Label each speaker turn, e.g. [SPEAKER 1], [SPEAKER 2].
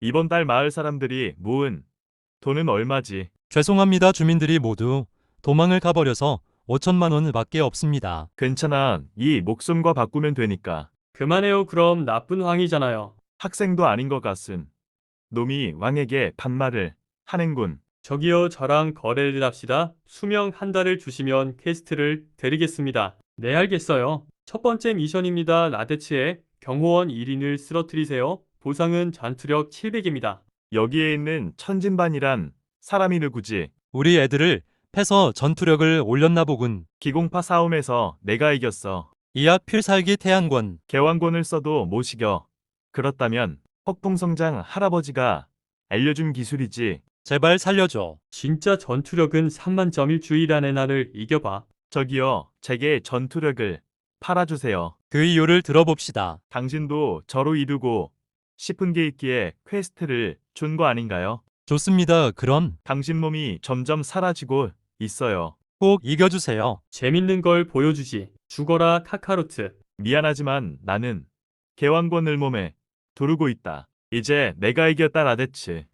[SPEAKER 1] 이번 달 마을 사람들이 모은 돈은 얼마지?
[SPEAKER 2] 죄송합니다. 주민들이 모두 도망을 가버려서 5천만 원밖에 없습니다.
[SPEAKER 1] 괜찮아. 이 목숨과 바꾸면 되니까.
[SPEAKER 3] 그만해요. 그럼 나쁜 황이잖아요.
[SPEAKER 1] 학생도 아닌 것 같은 놈이 왕에게 반말을 하는군.
[SPEAKER 3] 저기요, 저랑 거래를 합시다. 수명 한 달을 주시면 퀘스트를 드리겠습니다. 네, 알겠어요. 첫 번째 미션입니다. 라데츠의 경호원 1인을 쓰러뜨리세요. 보상은 전투력 700입니다.
[SPEAKER 1] 여기에 있는 천진반이란 사람이 누구지?
[SPEAKER 2] 우리 애들을 패서 전투력을 올렸나 보군.
[SPEAKER 1] 기공파 싸움에서 내가 이겼어.
[SPEAKER 2] 이약 필살기 태양권.
[SPEAKER 1] 개왕권을 써도 못 이겨. 그렇다면 폭풍성장 할아버지가 알려준 기술이지.
[SPEAKER 2] 제발 살려줘.
[SPEAKER 3] 진짜 전투력은 3만점일 주일안에 나를 이겨봐.
[SPEAKER 1] 저기요, 제게 전투력을 팔아주세요.
[SPEAKER 2] 그 이유를 들어봅시다.
[SPEAKER 1] 당신도 저로 이루고 싶은 게 있기에 퀘스트를 준 거 아닌가요?
[SPEAKER 2] 좋습니다. 그럼
[SPEAKER 1] 당신 몸이 점점 사라지고 있어요.
[SPEAKER 2] 꼭 이겨주세요.
[SPEAKER 3] 재밌는 걸 보여주지. 죽어라, 카카로트.
[SPEAKER 1] 미안하지만 나는 개왕권을 몸에 두르고 있다. 이제 내가 이겼다 라데츠.